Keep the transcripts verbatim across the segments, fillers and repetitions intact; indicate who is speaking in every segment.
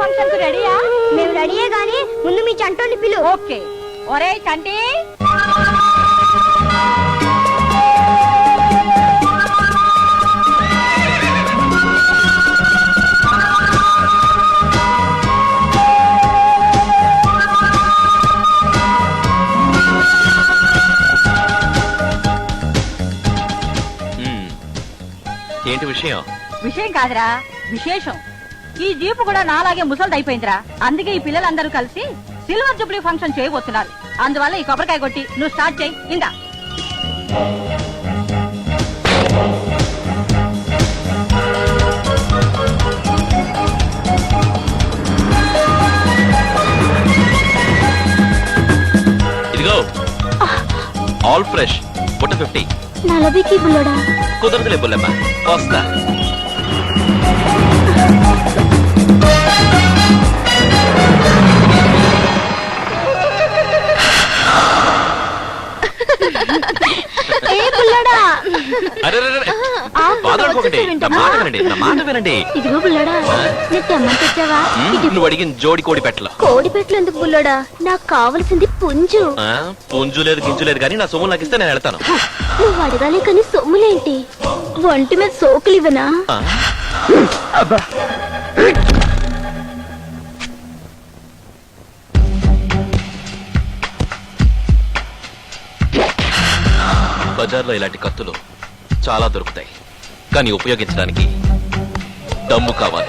Speaker 1: Function కు రెడీయా?
Speaker 2: మేము రెడీయే గానీ ముందు మీ చంటోని పిలు.
Speaker 1: ఓకే. ఒరే చంటి,
Speaker 3: ఏంటి విషయం?
Speaker 1: విషయం కాదురా, విశేషం. ఈ జీపు కూడా నాలాగే ముసలిది అయిపోయిందిరా. అందుకే ఈ పిల్లలందరూ కలిసి సిల్వర్ జూబ్లీ ఫంక్షన్ చేయబోతున్నారు. అందువల్ల ఈ కొబ్బరికాయ కొట్టి నువ్వు స్టార్ట్ చేయి. ఇందా
Speaker 3: ఇదిగో ఆల్ ఫ్రెష్ పుట్ట ఫిఫ్టీ.
Speaker 2: నలభీకి బుల్లడా
Speaker 3: కుదరదులే బుల్లమ్మ, వస్తా.
Speaker 2: ఇదిగో బుల్లడా, నీ తెమ్మని తెచ్చావా?
Speaker 3: నువ్వు అడిగిన జోడి కోడి పెట్టలు.
Speaker 2: కోడి పెట్టలు ఎందుకు బుల్లడా? నాకు కావలసింది పుంజు.
Speaker 3: పుంజు లేదు గింజు లేదు కానీ నా సొమ్ము నాకు ఇస్తే నేను వెళ్తాను.
Speaker 2: నువ్వు అడగాలి కానీ సొమ్ములేంటి? ఒంటి మీద సోకులు ఇవ్వనా?
Speaker 3: బజార్లో ఇలాంటి కత్తులు చాలా దొరుకుతాయి, కానీ ఉపయోగించడానికి దమ్ము కావాలి.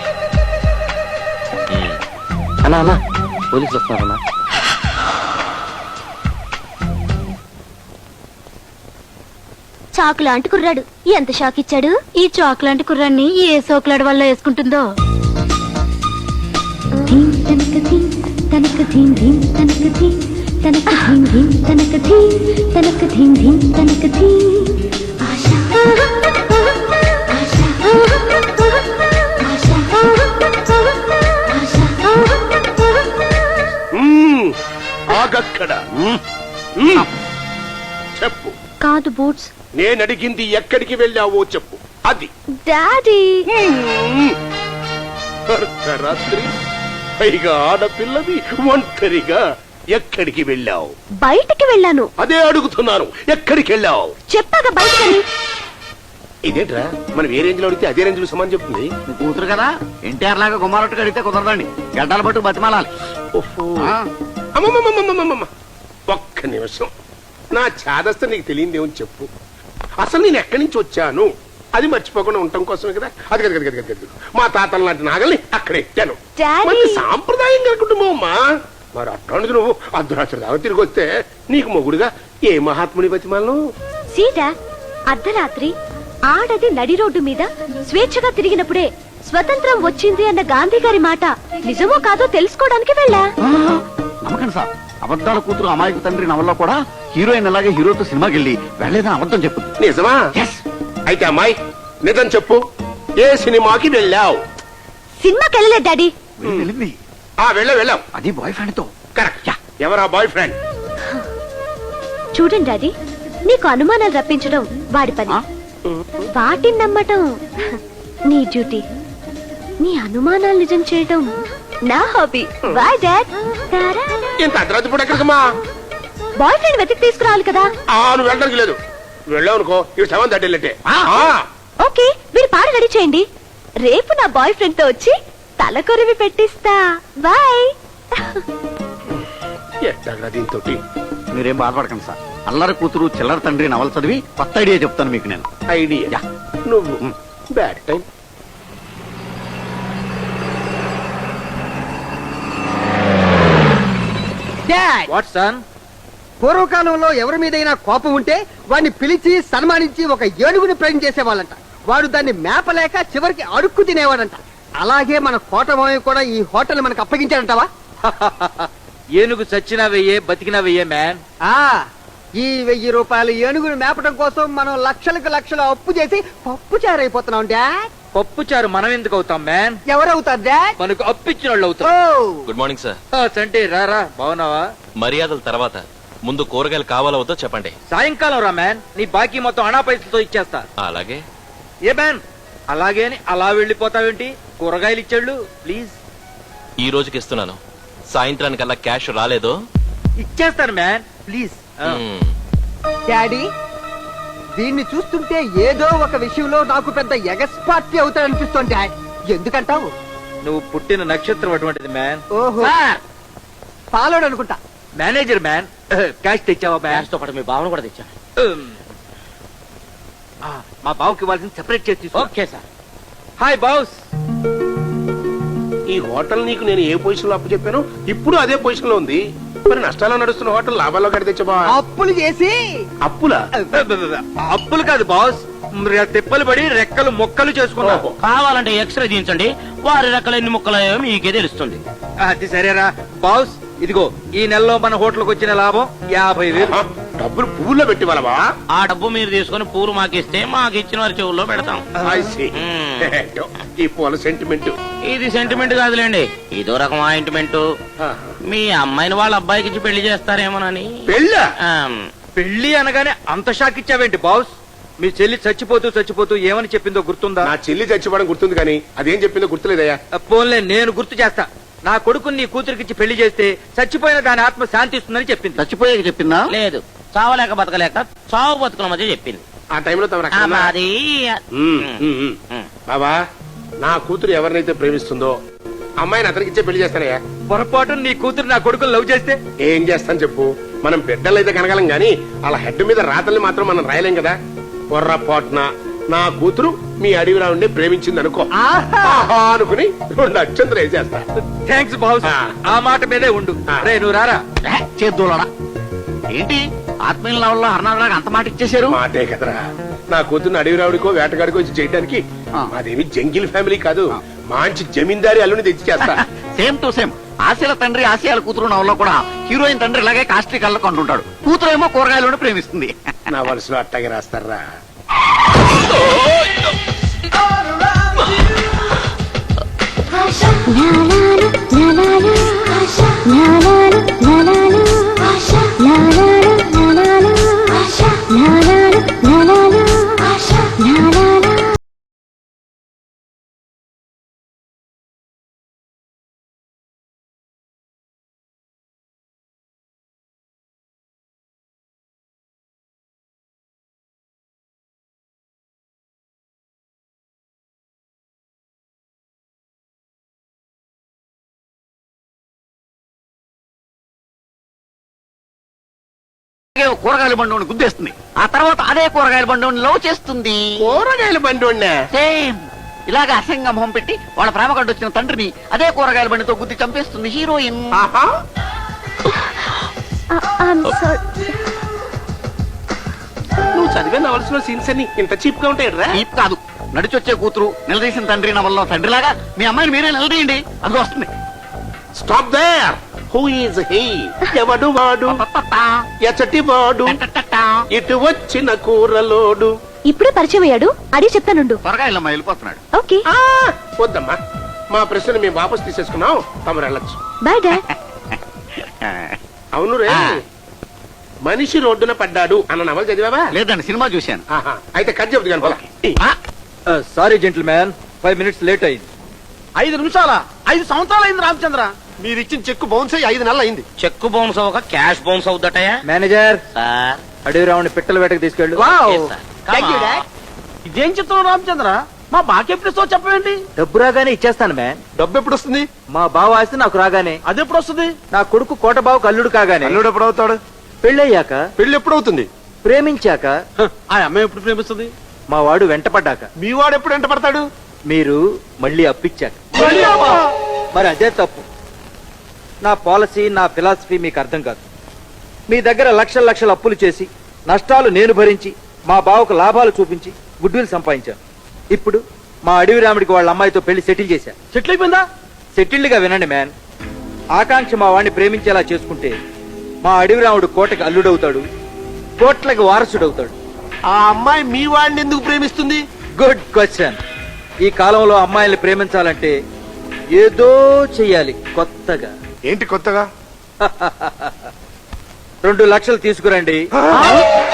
Speaker 4: అన్నా అన్నా పోలీసులు వస్తున్నారన్నా.
Speaker 2: చాకు లాంటి కుర్రాడు ఎంత షాక్ ఇచ్చాడు. ఈ చాకు లాంటి కుర్రాన్ని ఏ సోకులాడు వల్ల వేసుకుంటుందో.
Speaker 5: చెప్పు.
Speaker 2: కాదు బూట్స్,
Speaker 5: నేను అడిగింది ఎక్కడికి వెళ్ళావో చెప్పు. అది
Speaker 2: డాడీ.
Speaker 5: అర్ధరాత్రి పైగా ఆడపిల్లవి ఒంటరిగా ఎక్కడికి వెళ్ళావు?
Speaker 2: బయటికి వెళ్ళాను.
Speaker 5: అదే అడుగుతున్నాను, ఎక్కడికి వెళ్ళావు?
Speaker 2: చెప్పాక బయటికి.
Speaker 5: ఇదేంట్రా, మనం ఏ రేంజ్ లో అడిగితే అదే రేంజ్ లో సమాన్ చెప్తుంది.
Speaker 4: కూతురు కదా, ఎన్టీఆర్ లాగా గుమ్మారొట్టుకు అడిగితే కుదరదండి, గడ్డల పట్టు బతిమాలాలి.
Speaker 5: అమ్మమ్మమ్మమ్మమ్మమ్మ, ఒక్క నిమిషం. నా చాదస్త నీకు తెలియదేమని చెప్పు. అసలు నేను ఎక్కడి నుంచి వచ్చాను అది మర్చిపోకుండా ఉండటం కోసమే కదా. అది కదా కదా కదా మా తాతల లాంటి నాగల్ని అక్కడ ఎట్టాను. మంచి సాంప్రదాయం గల కుటుంబం అమ్మా. మరి అట్లాంటిది నువ్వు అర్ధరాత్రి దాకా తిరిగి వస్తే నీకు మొగుడుగా ఏ మహాత్ముని బతిమాలను?
Speaker 2: సీతా, అర్ధరాత్రి ఆడది నడి రోడ్డు మీద స్వేచ్ఛగా తిరిగినప్పుడే స్వతంత్రం వచ్చింది అన్న గాంధీ గారి మాట నిజమో కాదో తెలుసుకోవడానికి వెళ్ళా.
Speaker 4: నమ్మకండి సార్, అబద్ధాల కూతురు అమాయకు తండ్రి నవల్లో కూడా హీరోయిన్ అలాగే హీరోతో సినిమాకి వెళ్ళి వెళ్ళేదని అబద్ధం చెప్పు.
Speaker 5: నిజమా? అయితే అమ్మాయి నిజం చెప్పు, ఏ సినిమాకి వెళ్ళావు?
Speaker 2: సినిమాకి వెళ్ళలేదు డాడీ.
Speaker 4: వెళ్ళింది.
Speaker 5: ఆ వెళ్ళ వెళ్ళావు.
Speaker 4: అది బాయ్ ఫ్రెండ్ తో.
Speaker 5: కరెక్ట్. ఎవరా బాయ్ ఫ్రెండ్?
Speaker 2: చూడండి డాడీ, నీకు అనుమానాలు రప్పించడం వాడి పని, వాటిని నమ్మటం నీ డ్యూటీ. నీ అనుమానాలు నిజం చేయడం నా హాబీ. Bye dad.
Speaker 5: ఇంత అర్ధరాత్రి పూట ఎక్కడికమ్మా?
Speaker 2: బాయ్ ఫ్రెండ్ వెతికి తీసుకురావాలి కదా.
Speaker 5: ఆ నువ్వు వెళ్ళడానికి లేదు. వెళ్ళావు అనుకో ఇవి సెవెన్ థర్టీ.
Speaker 2: ఓకే, మీరు పాట రెడీ చేయండి. రేపు నా బాయ్ ఫ్రెండ్ తో వచ్చి తల కొరివి పెట్టిస్తా. బాయ్.
Speaker 5: ఎట్టగా దీంతో
Speaker 4: మీరేం బాధపడకండి సార్, అల్లరి కూతురు చిల్లర తండ్రి నవల చదివి కొత్త ఐడియా చెప్తాను మీకు నేను.
Speaker 5: ఐడియా? నువ్వు బ్యాడ్ టైం.
Speaker 6: What sun? పూర్వకాలంలో ఎవరి మీదైనా కోపం ఉంటే వాడిని పిలిచి సన్మానించి ఒక ఏనుగుని ప్రేమ చేసేవాళ్ళంట. వాడు దాన్ని మేపలేక చివరికి అడుక్కు తినేవాడంట. అలాగే మన కోటమావి కూడా ఈ హోటల్ మనకు అప్పగించాడంటావా?
Speaker 7: ఏనుగు చచ్చినా వెయ్యే, బతికినా వెయ్యే మ్యాన్.
Speaker 6: ఆ ఈ వెయ్యి రూపాయలు ఏనుగుని మేపడం కోసం మనం లక్షలకు లక్షలు అప్పు చేసి పప్పు చారైపోతున్నాం డాడ్.
Speaker 7: పప్పు చారు మనం ఎందుకు అవుతాం మ్యాన్?
Speaker 6: ఎవరవుతారు డాడ్?
Speaker 7: మనకు అప్పిచ్చిన వాళ్ళు అవుతాం.
Speaker 3: Good morning sir.
Speaker 7: చంటి రారా, బాగున్నావా?
Speaker 3: మర్యాదల తర్వాత ముందు కూరగాయలు కావాలో వద్దో చెప్పండి.
Speaker 7: సాయంకాలం రా మ్యాన్, నీ బాకీ మొత్తం అనా పైసలతో ఇచ్చేస్తా.
Speaker 3: అలాగే.
Speaker 7: ఏ మ్యాన్ అలాగే అని అలా వెళ్ళిపోతావేంటి? కూరగాయలు ఇచ్చాళ్ళు ప్లీజ్.
Speaker 3: ఈ రోజుకి ఇస్తున్నాను. సాయంత్రానికల్లా క్యాష్ రాలేదో
Speaker 7: ఇచ్చేస్తాను మ్యాన్ ప్లీజ్.
Speaker 3: మ్మ్.
Speaker 6: డాడీ దీన్ని చూస్తుంటే ఏదో ఒక విషయంలో నాకు పెద్ద ఎగస్పార్టీ అవుతాడనిపిస్తోంది డాడ్. ఎందుకంటావు?
Speaker 7: నువ్వు పుట్టిన నక్షత్రం అటువంటిది మ్యాన్.
Speaker 6: ఓహో పాలోడు అనుకుంటా.
Speaker 7: Manager man. క్యాష్ తెచ్చావా మ్యాన్?
Speaker 8: తో పాటు మీ భావన కూడా తెచ్చాను.
Speaker 7: ఆ, మా బావుకి ఇవ్వాల్సిన సెపరేట్ చేసి తీసుకో.
Speaker 8: Okay sir.
Speaker 7: Hi boss.
Speaker 5: ఈ హోటల్ నీకు నేను ఏ పొజిషన్ లో అప్పు చెప్పాను ఇప్పుడు అదే పొజిషన్ లో ఉంది. మరి నష్టాల్లో నడుస్తున్న హోటల్ లాభాల్లో కడి తెచ్చబా.
Speaker 6: అప్పులు చేసి
Speaker 5: అప్పులా?
Speaker 7: అప్పులు కాదు బాస్, ర- తిప్పలు పడి రెక్కలు మొక్కలు చేసుకున్నా.
Speaker 5: ఓహో.
Speaker 8: కావాలంటే ఎక్స్రే తీయించండి, వారి రకాల ఎన్ని ముక్కలయ్యో మీకే తెలుస్తుంది.
Speaker 7: అది సరేరా బాస్. ఇదిగో ఈ నెలలో మన హోటల్కి వచ్చిన లాభం యాభై వేలు.
Speaker 5: ఆ, డబ్బులు పువ్వుల్లో పెట్టి వాళ్ళవా?
Speaker 8: ఆ డబ్బు మీరు తీసుకొని పూలు మాకిస్తే మాకు ఇచ్చిన వారి చెవుల్లో పెడతాం.
Speaker 5: I see.
Speaker 8: మ్మ్.
Speaker 5: ఈ పూల సెంటిమెంట్.
Speaker 8: ఇది సెంటిమెంట్ కాదులేండి, ఇదో రకం ఆయింట్మెంట్. మీ అమ్మాయిని వాళ్ళ అబ్బాయికి ఇచ్చి పెళ్లి చేస్తారేమోనని.
Speaker 5: పెళ్ళా?
Speaker 8: ఆమ్,
Speaker 7: పెళ్లి అనగానే అంత షాక్ ఇచ్చావేంటి బాస్? మీ చెల్లి చచ్చిపోతూ చచ్చిపోతూ ఏమని చెప్పిందో గుర్తుందా?
Speaker 5: నా చెల్లి చచ్చిపోవడం గుర్తుంది కానీ అదేం చెప్పిందో గుర్తులేదయ్యా.
Speaker 7: పోన్లే నేను గుర్తు చేస్తా. నా కొడుకుని నీ కూతురికిచ్చి పెళ్లి చేస్తే చచ్చిపోయిన దాని ఆత్మ శాంతిస్తుందని చెప్పింది.
Speaker 4: చచ్చిపోయాక చెప్పిందా?
Speaker 8: లేదు, చావలేక బతకలేక చావు బతుకుల మధ్య చెప్పింది.
Speaker 5: ఆ టైంలో తమ
Speaker 8: ఆ, మాది
Speaker 5: ఉమ్, ఉమ్, ఉమ్.
Speaker 8: ఉమ్.
Speaker 5: బాబా, నా కూతురు ఎవరినైతే ప్రేమిస్తుందో అమ్మాయిని అతనికి ఇచ్చే పెళ్లి చేస్తానయ్యా.
Speaker 7: పొరపాటు నీ కూతురు నా కొడుకుని లవ్ చేస్తే
Speaker 5: ఏం చేస్తాను చెప్పు? మనం బిడ్డలైతే కనగలం గాని అలా హెడ్ మీద రాతల్ని మాత్రం మనం రాయలేం కదా. పొర్రపాటున నా కూతురు మీ అడవిరా ఉండి ప్రేమించింది అనుకో, ఆహా అనుకుని రెండు అక్షంతలు వేసేస్తా.
Speaker 7: Thanks boss.
Speaker 5: ఆ.
Speaker 7: ఆ మాట మీదే ఉండు.
Speaker 5: ఆ.
Speaker 7: రే నువ్వు రారా.
Speaker 4: చేద్దోలడా ఏంటి ఆత్మీయుల నవల్లో హర్నాథరావు అంత మాట ఇచ్చేశారు?
Speaker 5: మాటే కదరా, నా కూతురుని అడవిరావుడికో వేటగాడికో వచ్చి చేయడానికి.
Speaker 4: ఆ.
Speaker 5: మాదేమి జంగిల్ ఫ్యామిలీ కాదు, మంచి జమీందారి అల్లుని తెచ్చి చేస్తా.
Speaker 4: Same to same. ఆశల తండ్రి ఆశయాల కూతురు నవల్లో కూడా హీరోయిన్ తండ్రి ఇలాగే కాస్ట్రీ కళ్ళకు అంటుంటాడు. కూతురు ఏమో కూరగాయలను ప్రేమిస్తుంది.
Speaker 5: నా వలసలో అట్టాగే రాస్తారా?
Speaker 4: కూరగాయల బండి గుద్దేస్తుంది. ఆ తర్వాత అదే కూరగాయల బండి లవ్ చేస్తుంది.
Speaker 5: కూరగాయల బండి వండా?
Speaker 4: సేమ్ ఇలాగ అసంగ మొహం పెట్టి వాళ్ళ ప్రేమ కంటే వచ్చిన తండ్రిని అదే కూరగాయల బండితో గుద్ది చంపేస్తుంది హీరోయిన్.
Speaker 5: ఆహా. నువ్వు చదివే నవలసిన సీన్స్ అన్ని ఇంత చీప్ గా ఉంటాయి రా.
Speaker 4: చీప్ కాదు, నడిచొచ్చే కూతురు నిలదీసిన తండ్రి నవల్లో తండ్రిలాగా మీ అమ్మాయిని మీరే నిలదీయండి, అది వస్తుంది.
Speaker 5: Stop there. Who is he? ఎవడు వాడు? ఎచటి వాడు? ఇటు వచ్చిన కూరలోడు.
Speaker 2: ఇప్పుడే పరిచయం అయ్యాడు, అడిగి చెప్తానుండు.
Speaker 4: కూరగాయలమ్మ వెళ్ళిపోతున్నాడు.
Speaker 2: ఓకే
Speaker 5: ఆ, వద్దమ్మా, మా ప్రశ్న మేము వాపస్ తీసేసుకున్నాం, తమరు వెళ్ళొచ్చు.
Speaker 2: Bye dad.
Speaker 5: అవును రే, మనిషి రోడ్డున పడ్డాడు అన్న నవల చదివావా?
Speaker 4: లేదండి, సినిమా చూశాను.
Speaker 5: ఆహా, అయితే కథ చెబుతు కానీ పోలా.
Speaker 7: Sorry gentleman, five minutes late అయింది.
Speaker 6: ఐదు నిమిషాల ఐదు సంవత్సరాలు అయింది రామచంద్ర. మీరు ఇచ్చిన చెక్కు బౌన్స్ అయ్యి ఐదు నెలలు అయింది.
Speaker 8: చెక్కు బౌన్స్ అవ్వక క్యాష్ బౌన్స్ అవుద్దటయా?
Speaker 7: Manager,
Speaker 8: sir.
Speaker 7: అడవి రావుని పిట్టల వేటకు తీసుకెళ్ళు.
Speaker 8: Yes, sir. Come
Speaker 6: Thank you,
Speaker 8: on.
Speaker 6: Dad. ఇదేం చెప్తున్నావు రామచంద్ర? మా బాకెప్పుడు చెప్పండి.
Speaker 7: డబ్బు రాగానే ఇచ్చేస్తాను మ్యాన్.
Speaker 6: డబ్బు ఎప్పుడు వస్తుంది?
Speaker 7: మా బావ ఆస్తి నాకు రాగానే.
Speaker 6: అది ఎప్పుడు వస్తుంది?
Speaker 7: నా కొడుకు కోట బావకు అల్లుడు కాగానే.
Speaker 6: అల్లుడు ఎప్పుడు అవుతాడు?
Speaker 7: పెళ్ళయ్యాక.
Speaker 6: పెళ్లి ఎప్పుడు అవుతుంది?
Speaker 7: ప్రేమించాక.
Speaker 6: ఆ అమ్మాయి ఎప్పుడు ప్రేమిస్తుంది?
Speaker 7: మా వాడు వెంటపడ్డాక.
Speaker 6: మీ వాడు ఎప్పుడు ఎంట పడతాడు?
Speaker 7: మీరు మళ్ళీ అప్పిచ్చాక. మరి అదే తప్పు. నా పాలసీ, నా ఫిలాసఫీ మీకు అర్థం కాదు. మీ దగ్గర లక్షల లక్షల అప్పులు చేసి నష్టాలు నేను భరించి మా బావకు లాభాలు చూపించి గుడ్విల్ సంపాదించాను. ఇప్పుడు మా అడవి రాముడికి వాళ్ళ అమ్మాయితో పెళ్లి సెటిల్ చేశా.
Speaker 6: సెటిల్ అయిపోయిందా?
Speaker 7: సెటిల్డ్ గా వినండి మ్యాన్. ఆకాంక్ష మా వాడిని ప్రేమించేలా చేసుకుంటే మా అడవి రాముడు కోటకి అల్లుడవుతాడు, కోట్లకి వారసుడవుతాడు.
Speaker 6: ఆ అమ్మాయి మీ వాడిని ఎందుకు ప్రేమిస్తుంది?
Speaker 7: Good question. ఈ కాలంలో అమ్మాయిల్ని ప్రేమించాలంటే ఏదో చెయ్యాలి కొత్తగా.
Speaker 6: ఏంటి కొత్తగా?
Speaker 7: రెండు లక్షలు తీసుకురండి.